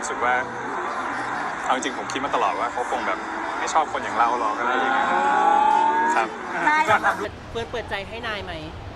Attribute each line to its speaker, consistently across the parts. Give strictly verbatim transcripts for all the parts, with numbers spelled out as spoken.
Speaker 1: รู้สึกว่าเอาจริงผมคิดมาตลอดว่าเขาคงแบบไม่ชอบคนอย่างเราหรอกอะไรอย่างเงี้ยครับ
Speaker 2: นาย
Speaker 3: เปิดเปิดใจให้นายไหม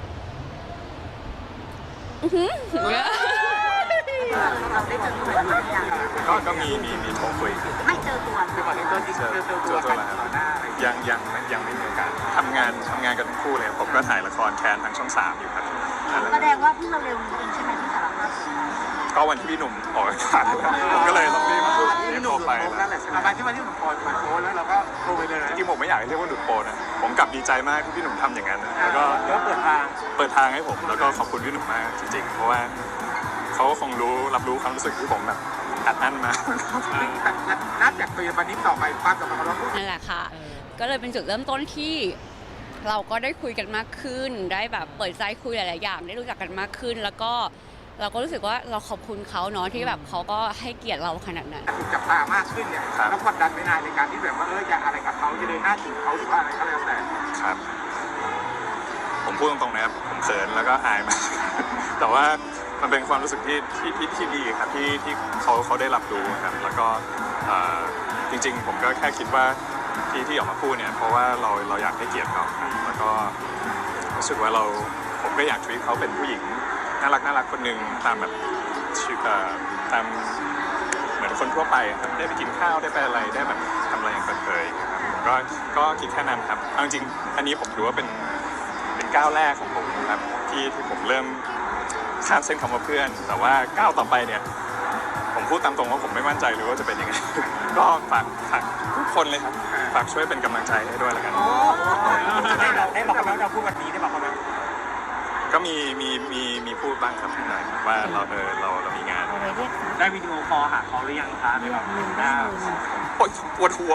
Speaker 2: เราได้เจอตัวหรือยัง
Speaker 1: ก็ก็มีมีมีโทรคุย
Speaker 2: ไม่เจอตัว
Speaker 4: คือวันนี้ตัวจริง
Speaker 1: เจอ
Speaker 4: เจอ
Speaker 1: เจ
Speaker 4: ตั
Speaker 1: อ
Speaker 4: ว
Speaker 1: ตัว
Speaker 4: กัน
Speaker 1: แล้ว
Speaker 4: ต่อหน้าอะไร
Speaker 1: ยังยังยังไม่มีโอกาสทำงานทำงานกันทั้งคู่เลยผมก็ถ่ายละครแคนทางช่องสามอยู่ครับ
Speaker 2: แสดงว่าเพิ่งเร็วๆนี้เองใช่ไหมที่สารภาพ
Speaker 1: ก็วันที่พี่หนุ่มออกอากาศผมก็เลยต้องรีบรีบโทรไป
Speaker 4: นั่นแหละมาที่วันที่หนุ่มโพสมาโพสแล้วเราก็โทรไปเลย
Speaker 1: จริงๆผมไม่อยากให้เรียกว่าหลุดโปรนะผมกลับดีใจมากที่พี่หนุ่มทำอย่างนั้นแล้วก็
Speaker 4: แล้วเปิดทาง
Speaker 1: เปิดทางให้ผมแล้วก็ขอบคุณพี่หนุ่มมากจริงๆเพราะว่าเขาก็คงรู้รับรู้ความรู้สึกที่ผมแบบอัดอั้นมา
Speaker 4: นับจากตัววันนี้ต่อไปความสัมพันธ์ของเรา
Speaker 5: นั่นแหละค่ะก็เลยเป็นจุดเริ่มต้นที่เราก็ได้คุยกันมากขึ้นได้แบบเปิดใจคุยหลายๆอย่างได้รู้จักกันมากขึ้นแล้วก็เราก็รู้สึกว่าเราขอบคุณเขาเนาะที่แบบเขาก็ให้เกียรติเราขนาดนั้น
Speaker 4: ถูกจับตามากขึ้นเนี่ยแล้วกดดันไม่นานในการที่แบบว่าเออจะอะไรกับเขาจะเดินหน้าจีบเขาหรือว่าอะไรก็แล้วแต่
Speaker 1: ครับผมพูดตรงๆนะครับผมเขินแล้วก็อายมาก แต่ว่ามันเป็นความรู้สึกที่ที่ที่ที่ดีครับที่ที่เขาเขาได้รับรู้ครับแล้วก็จริงๆผมก็แค่คิดว่าที่ที่ออกมาพูดเนี่ยเพราะว่าเราเราอยากให้เกียรติเขาครับแล้วก็รู้สึกว่าเราผมก็อยากทวีตเขาเป็นผู้หญิงน่ารักน่ารักคนหนึ่งตามแบบชื่อตามเหมือนคนทั่วไปครับได้ไปกินข้าวได้ไปอะไรได้แบบทำอะไรอย่างเปิดเผยครับก็ก็คิดแค่นั้นครับเอาจริงอันนี้ผมถือว่าเป็นเป็นก้าวแรกของผมครับที่ที่ผมเริ่มข้ามเส้นคำว่าเพื่อนแต่ว่าก้าวต่อไปเนี่ยผมพูดตามตรงว่าผมไม่มั่นใจเลยว่าจะเป็นยังไง ก็ฝากฝากทุกคนเลยครับฝากช่วยเป็นกำลังใจให้ด้วยแล้วกัน
Speaker 4: ได้เราได้บอกเขาแล้วเราพูดวันนี้ได้บอกเขาแล้ว
Speaker 1: ก็มีมีมีมีพูดบ้างครับนิดหน่อยว่าเราเออเราเรามีงาน
Speaker 4: ได้วิดีโอคอลหาเขาหรือยังคะในแบบหน้า
Speaker 1: โอ๊ยปวดหัว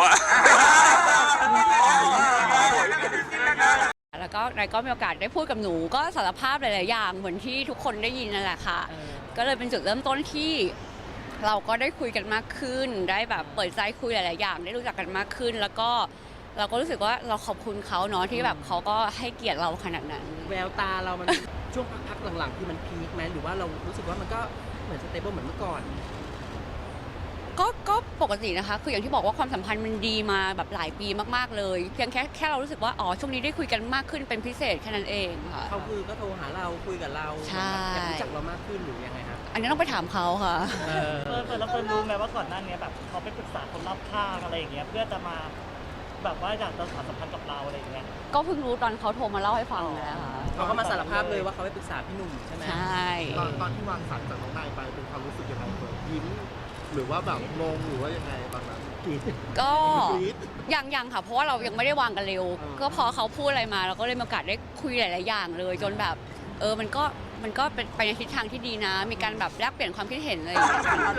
Speaker 5: แล้วก็นายก็มีโอกาสได้พูดกับหนูก็สารภาพหลายๆอย่างเหมือนที่ทุกคนได้ยินนั่นแหละค่ะก็เลยเป็นจุดเริ่มต้นที่เราก็ได้คุยกันมากขึ้นได้แบบเปิดใจคุยหลายๆอย่างได้รู้จักกันมากขึ้น แล้วก็เราก็รู้สึกว่าเราขอบคุณเขาเนาะที่แบบเขาก็ให้เกียรติเราขนาดนั้น
Speaker 3: แววตาเรามัน ช่วงพักๆหลังๆคือมันพีคไหมหรือว่าเรารู้สึกว่ามันก็เหมือนสเตเบิลเหมือนเมื่อก่อน
Speaker 5: ก็ก็ปกตินะคะคืออย่างที่บอกว่าความสัมพันธ์มันดีมาแบบหลายปีมากๆเลยเพียงแค่แค่เรารู้สึกว่าอ๋อช่วงนี้ได้คุยกันมากขึ้นเป็นพิเศษแค่นั้นเองค่ะ
Speaker 3: เขาคือก็โทรหาเราคุยกับเรา
Speaker 5: ใช่
Speaker 3: อยากรู้จักเรามากขึ้นหรือยังไงครับ
Speaker 5: อันนี้ต้องไปถามเขาค่ะ
Speaker 3: เออ
Speaker 6: เฟิร์นเฟิร์นแล้วเฟิร์นรู้ไหมว่าก่อนหน้านี้แบบเขาไปปรึกษาคนรอบข้างอะไรอย่างเงี้ยเพื่อจะมาแบบว่าอยากจะสานสัมพันธ์กับเราอะไรอย่างเงี้ย
Speaker 5: ก็เพิ่งรู้ตอนเขาโทรมาเล่าให้ฟังนี่แหละค่ะ
Speaker 3: เขาก็มาสารภาพเลยว่าเขาไปปรึกษาพี่หนุ่มใช่ไหม
Speaker 5: ใช่
Speaker 7: ตอนตอนที่วางสายจากน้องนายไปเป็นความรู้สึกยังไงเฟิร์นยิ้มหรือว่าแบบงงหรือว่ายังไงตอนนั้น
Speaker 5: ก็ยังยังค่ะเพราะว่าเรายังไม่ได้วางกันเร็ว ก็พอเขาพูดอะไรมาเราก็เลยมีโอกาสได้คุยหลายๆอย่างเลย จนแบบเออมันก็มันก็เป็นไปในทิศทางที่ดีนะ มีการแบบแลกเปลี่ยนความคิดเห็นอะไรอย่างเลย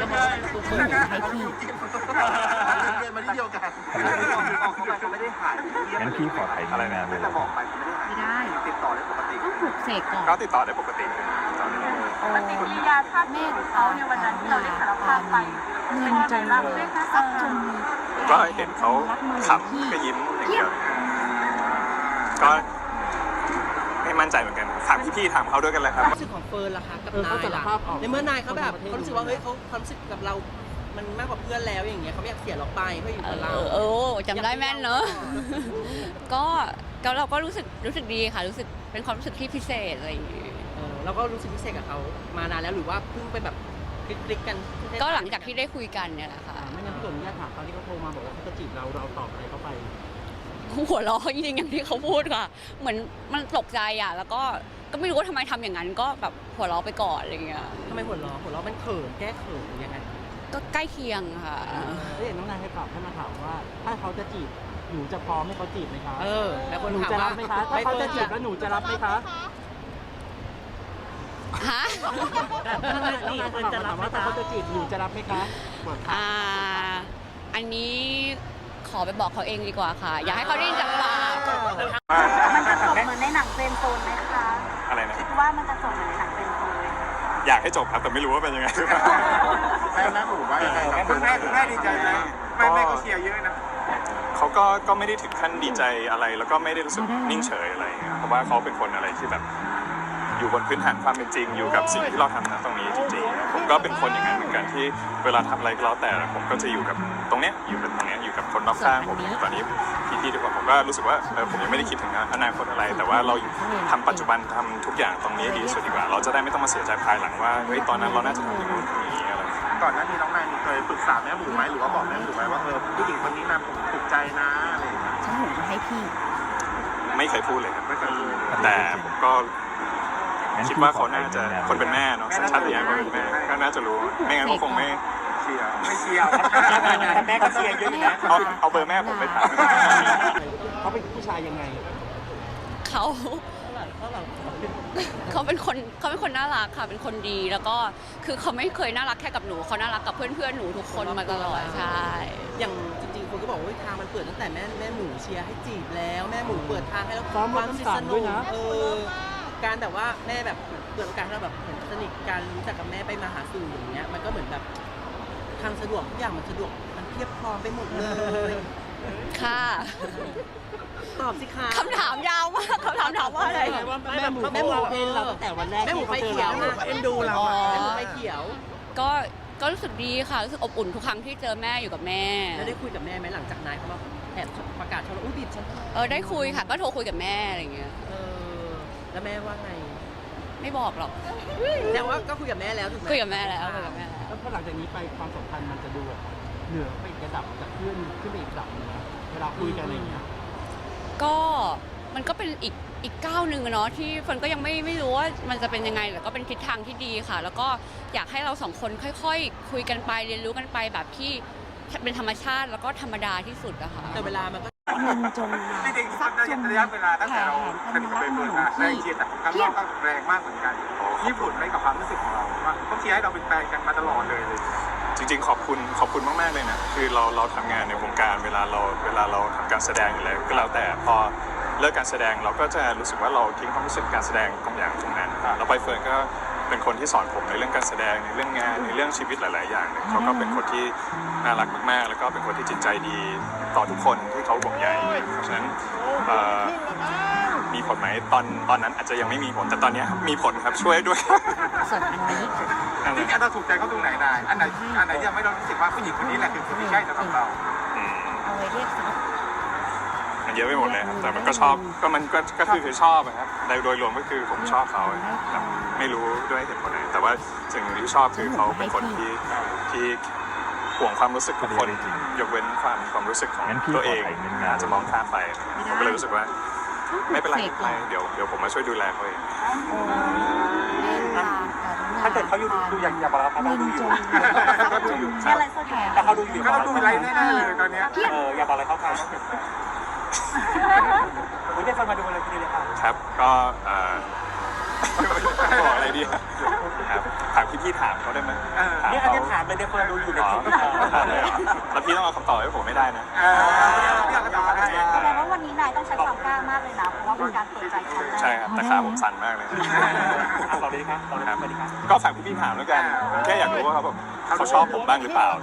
Speaker 7: เรียนมาที่เดียวกัน
Speaker 4: ไม่ได้หาย
Speaker 1: งั้นพี่ขอถ่ายอะไรนะเลย
Speaker 4: แต่บอกไปไม่ได้ติดต่อได้ปกติ
Speaker 5: ต้องปลุกเสกก่อน
Speaker 1: ก็ติดต่อได้ปกติตอนนี้
Speaker 2: มันมีกิริยาท่าทีของเขาในวันนั้นที่เราได้สารภาพไปเงินจนรับด้วยนะซับจน
Speaker 1: ก็เห็นเขาขำก็ยิ้มอย่างเดียวก็ไม่มั่นใจเหมือนกันถามพี่ๆถามเขาด้วยกันเลยครับ
Speaker 3: ความรู้สึกของเฟิร์นล่ะคะกับนายล่ะในเมื่อนายเขาแบบเขารู้สึกว่าเฮ้ยเขาความรู้สึกกับเรา มันมากกว่าเพื่อนแล้วอย่างเงี้ยเขาไม่อยากเสียเราไปเพื่ออยู่
Speaker 5: เอ
Speaker 3: กับ
Speaker 5: อ
Speaker 3: เรา
Speaker 5: เออจำได้แม่นเนอะก็ก็เราก็รู้สึกรู้สึกดีค่ะรู้สึกเป็นความรู้สึกที่พิเศษอะไรอย่างเงี้ย
Speaker 3: เออเราก็รู้สึกพิเศษกับเขามานานแล้วหรือว่าเพิ่งไปแบบคลิกๆกัน
Speaker 5: ก็หลังจากที่ได้คุยกันเนี่ยแหละค่ะ
Speaker 7: ไม่งั้นพี่ตุ๋นญาติถามเขาที่เขาโทรมาบอกว่าเขาจะจีบเราเราตอบอะไรเขาไป
Speaker 5: หัวเราะจริงๆอย่างที่เขาพูดค่ะ เหมือนมันตกใจอ่ะแล้วก็ก็ไม่รู้ว่าทำไมทำอย่างนั้นก็แบบหัวเราะไปก่อนอะไรเงี้ย
Speaker 3: ทำไมหัวเราะหัวเราะมันเขินแก้เขินหรือยังไง
Speaker 5: ก็ใกล้เคียงค่ะ
Speaker 7: เอ้ยน้องนายให้ตอบให้มาถามว่า ถ้าเขาจะจีบหนูจะพร้อมให้เขาจีบไหมคะ
Speaker 3: เออแล้วคน
Speaker 7: หนู
Speaker 3: ถาม
Speaker 7: จะ
Speaker 3: ว่า
Speaker 7: รับไหมคะถ้าเขาจะจีบแล้วหนูจะรับไหมคะ
Speaker 5: ฮะ
Speaker 7: น้องนายน้องนายจะถามว่าถ้าเขาจะจีบหนูจะรับไหมคะบอกค่ะ
Speaker 5: อ่าอันนี้ขอไปบอกเขาเองดีกว่าค่ะ อยากให้เขาได้ยินจากปาก
Speaker 2: มันจะจบเหมือนในหนังเฟรนด์โซนไหมคะ
Speaker 1: อะไรนะ
Speaker 2: คิดว่ามันจะจบเหมือนในหนังเฟรนด์โซนไหม
Speaker 1: อยากให้จบครับแต่ไม่รู้ว่าเป็นยังไง
Speaker 4: แม่แม่หนูว่ายังไงครับคุณแม่คุณแม่ดีใจไหมแม่แม่ก็เชียร์เยอะนะ
Speaker 1: เขาก็ก็ไม่ได้ถึงขั้นดีใจอะไร แล้วก็ไม่ได้รู้สึกนิ่งเฉยอะไรอย่างเงี้ยเพราะว่าเขาเป็นคนอะไรที่แบบอยู่บนพื้นฐานความเป็นจริงอยู่กับสิ่งที่เราทำนะตรงนี้จริงๆผมก็เป็นคนอย่างนั้นเหมือนกันที่เวลาทำอะไรก็แล้วแต่ผมก็จะอยู่กับตรงเนี้ยอยู่กับตรงเนี้ยอยู่กับคนรอบข้างผมตอนนี้พี่ๆทุกคนผมก็รู้สึกว่าเออผมยังไม่ได้คิดถึงอนาคตอะไร แต่ว่าเราทำปัจจุบันทำทุกอย่างตรงนี้ดีที่สุดดีกว่า เราจะได้ไม่ต้องมาเสียใจภายหลังว่าเฮ้ยตอนนั้นเราน่าจะทำอย่างนู้นอย่างนี้อะไร
Speaker 4: ก่อนหน้านี้น้องนายมีเคยปรึกษาแม่หมูไหมหรือว่าบอกแม่หมูไหมว่าเออผู้หญิงคนนี้นะผมถูกใจนะอะไรอย่างเงี้ย
Speaker 5: ฉันหนูให้พี่
Speaker 1: ไม่เคยพูดเลยครับ
Speaker 4: ไม่เคยพูด
Speaker 1: แต่ผมก็คิดว่าเขาน่าจะคนเป็นแม่เนาะสัญชาตญาณคนเป็นแม่ก็น่าจะรู้ไม่งั้นเขาคงไม่
Speaker 4: เชียร์ไม่เชียร์แต่แม่ก็เชียร์เยอะอยู่นะ
Speaker 1: เอาเอาเบอร์แม่ผมไปถาม
Speaker 3: เขาเป็นผู้ชายยังไง
Speaker 5: เขาเขาเป็นคนเขาเป็นคนน่ารักค่ะเป็นคนดีแล้วก็คือเขาไม่เคยน่ารักแค่กับหนูเขาน่ารักกับเพื่อนๆหนูทุกคนมาตลอดใช่
Speaker 3: อย่างจริงๆคนก็บอกว่าทางมันเปิดตั้งแต่แม่แม่หมูเชียร์ให้จีบแล้วแม่หมูเปิดทางให้แล้วความสนุกเออการแบบว่าแม่แบบเปิดโอกาสให้เราแบบเหมือนสนิทกันรู้จักกับแม่ไปมาหาสู่อย่างเงี้ยมันก็เหมือนแบบทางสะดวกทุกอย่างมันสะดวกมันเพียบพร้อมไปหมดเลย
Speaker 5: ค่ะ
Speaker 3: ตอบสิคะ
Speaker 5: คำถามยาวมากคำถามถามว่าอะไร
Speaker 3: แม่หมูแม่หมูเอ็นเราตั้งแต่วันแรกแม่หมูไฟเขียวเอ็นดูเราแม่หมูไฟเขียว
Speaker 5: ก็ก็รู้สึกดีค่ะรู้สึกอบอุ่นทุกครั้งที่เจอแม่อยู่กับแม่
Speaker 3: แล้วได้คุยกับแม่ไหมหลังจากนายเขามาแอบประกาศชอบอุ้ยบิดฉัน
Speaker 5: เออได้คุยค่ะ ก็โทรคุยกับแม่อะไรอย่างเงี้ย
Speaker 3: เออแล้วแม่ว่าไง
Speaker 5: ไม่บอกหรอก
Speaker 3: แต่ว่าก็คุยกับแม่แล้วถูกไหม
Speaker 5: คุยกับแม่แล้วคุยกับแม่แล้ว
Speaker 8: แล้วพอหลังจากนี้ไปความสัมพันธ์มันจะดูแบบเหนือไปอีกระดับจากเพื่อนขึ้นไปอีกระดับหนึงนะเวลาคุยกันอะไรอย่างเงี้ย
Speaker 5: ก็มันก็เป็นอีกอีกก้าวหนึ่งอะเนาะที่เฟิร์นก็ยังไม่ไม่รู้ว่ามันจะเป็นยังไงแต่ก็เป็นทิศทางที่ดีค่ะ แล้วก็อยากให้เราสองคนค่อยๆ คุยกันไปเรียนรู้กันไปแบบที่เป็นธรรมชาติแล้วก็ธรรมดาที่สุดอะค่ะ
Speaker 3: แต่เวลามันก็
Speaker 8: เงินจน
Speaker 4: จริงๆระยะระยะเวลาตั้งแต่เราสนิทกับเบเฟิร์นมาแรงเชียร์แต่ข้างนอกก็แรงมากเหมือนกันญี่ปุ่นไม่กับความรู้สึกของเราว่าเขาเชียร์ให้เราเป็นแฟนกันมาตลอดเลยเลย
Speaker 1: จริงๆขอบคุณขอบคุณมากๆเลยนะคือเราเราทำงานในวงการเวลาเราเวลาเราทำการแสดงอยู่แล้วก็แล้วแต่พอเลิกการแสดงเราก็จะรู้สึกว่าเราทิ้งความรู้สึกการแสดงตรงอย่างตรงนั้นแล้วใบเฟิร์นก็เป็นคนที่สอนผมในเรื่องการแสดงในเรื่องงานในเรื่องชีวิตหลายๆอย่างเนี่ยเขาก็เป็นคนที่น่ารักมากๆแล้วก็เป็นคนที่จิตใจดีต่อทุกคนที่เขาห่วงใยเพราะฉะนั้นเอ่อมีผลไหมตอนตอนนั้นอาจจะยังไม่มีผลแต่ตอนนี้มีผลครับช่วยด้วย
Speaker 5: ส่วนอันนี้
Speaker 1: นั่นแห
Speaker 4: ที่
Speaker 1: ละ
Speaker 4: เราถูกใจเขาตรงไหนได้อันไหนอันไหนที่ทำให้เรารู้สึกว่าผู้หญิงคนนี้แหละคือคนที่ใช่สำหรับเรา
Speaker 1: อืม
Speaker 5: เอาไว้เรียกซับ
Speaker 1: มันเยอะไปหมดเลยครับแต่มันก็ชอบก็มันก็ก็คือคือชอบอะครับโดยรวมก็คือผมชอบเขาครับไม่รู้ด้วยเหตุผลไหนแต่ว่าสิ่งที่ชอบคือเขาเป็นคนที่ที่ห่วงความรู้สึกทุกคนยกเว้นความความรู้สึสึกของตัวเองอาจจะมองข้ามไปผมก็เลยรู้สึกว่าไม่เป็นไรไม่เป็นไรเดี๋ยวเดี๋ยวผมมาช่วยดูแลเขาเอง
Speaker 4: ถ้าเกิดเขาอยู่ดูอย่างอย่าบอกเราเขาดูอยู่เขาดูอยู่
Speaker 2: อะไรสักอย่าง
Speaker 4: แต่เขาดูอยู่เขาดูไรแน่ๆเลยตอนเนี้ยเอออย่าบอกอะไรเขาเขาคุณได้ฟังมาดูอะไรทีเลยค่ะ
Speaker 1: ครับก็เอ่อบอกอะไรดีครับถามพี่พี่ๆถามเขาได้ไหม
Speaker 4: เนี่ยอันนี้ถามเลยเดี๋ยวคนดูอยู่
Speaker 1: อ๋
Speaker 4: เดี๋
Speaker 1: อ
Speaker 4: ยว
Speaker 1: ถามเลยเหรอแล้วพี่ต้องเอาคำตอบให้ผมไม่ได้นะ
Speaker 4: เออเดี๋ยวก็ตอบให้
Speaker 2: แสดงว่าวันนี้นายต้องใช้ความกล้ามากเลยนะ เพราะว่าเป็นการเปิดใจครั้งแรก
Speaker 1: ใช่ครับแต่ขาผมสั่นมากเลย
Speaker 4: ตอบดีครับตอบดีครับสวัสดีครับ
Speaker 1: ก็ฝากพี่ๆถามแล้วกันแค่อยากรู้ว่าเขาแบบเขาชอบผมบ้างหรือเปล่า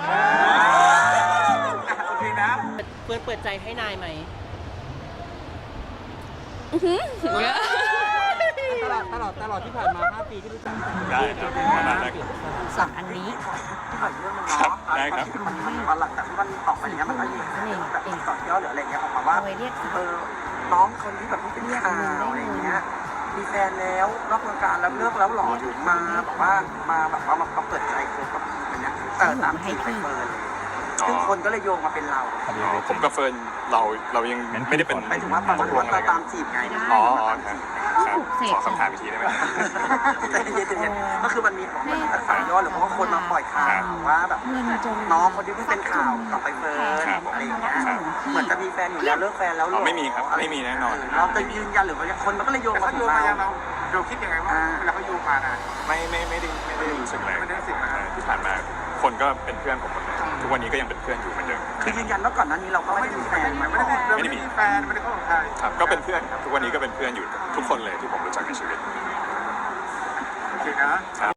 Speaker 4: โอเคนะ
Speaker 3: เพื่อนเปิดใจให้นายไหม
Speaker 8: ตลอดตลอดตลอดที่ผ่านมาห้าปีที่รู้จักกัน
Speaker 1: ได้ครับประมาณนั้น
Speaker 5: สองอันนี้
Speaker 1: ครับได้ครับ
Speaker 4: หลังจากที่มันออกมาอย่างเงี้ยมันก็มีแบบต่อยอดหรืออะไรเงี้ยออกมาว่า
Speaker 5: เอาไว้เรียกซับ
Speaker 4: เออน้องคนนี้แบบที่เป็นข่าวอะไรเงี้ยมีแฟนแล้วนอกวงการแล้วเลิกแล้วหรอถึงมาแบบว่ามาแบบว่ามาเปิดใจคบกับอะไรเงี้ยเออตามจีบไปเฟิร์นเลยซึ่งคนก็เลยโยงมาเป็นเรา
Speaker 1: อ๋อผมกับเฟิร์นเราเรายังไม่ได้เป็น
Speaker 4: หมายถึงว่าตอน
Speaker 1: ตกลงอะไร
Speaker 4: เรา
Speaker 1: กั
Speaker 4: ตาน มจีบไง
Speaker 1: อ๋ออ๋อครับครับขอคำถามอีกทีได้ไหม
Speaker 4: ใจเย็นๆก็คือมันมีของมันต่อยอดหรือว่าคนมาปล่อยข่าวว่าแบบน้องคนที่เพิ่งเป็นข่าวกับไปเฟิร์นอะไรอย่างเงี้ยเหมือนจะมีแฟนอยู่แล้วเลิกแฟนแล้วหร
Speaker 1: อ๋
Speaker 4: อ
Speaker 1: อไม่มีครับไม่มีแน่นอน
Speaker 4: เราจะยืนยันหรือว่าคนมันก็เลยโยงมาถึงเราเราคิดยังไงว่าเวลาเขาโยงมานะ
Speaker 1: ไม่ไม่ไม่ได้ไม่ได้รู้สึกอะไร
Speaker 4: ไม่ได้รู้สึกอะไร
Speaker 1: ที่ผ่านมาคนก็เป็นเพื่อนผมหมดเลยทุกวันนี้ก็ยังเป็นเพื่อนอยู่เหมือนเดิม
Speaker 4: คือยืนยันว่าก่อนหน้านี้เราก็ไม่ได้มีแฟนไม่ได้มีไม่ได้มีแฟนไม่ได้เข้ากับใคร
Speaker 1: ครับก็เป็นเพื่อนครับทุกวันนี้ก็เป็นเพื่อนอยู่กับทุกคนเลยที่ผมรู้จักในชีวิต
Speaker 4: โอเคนะ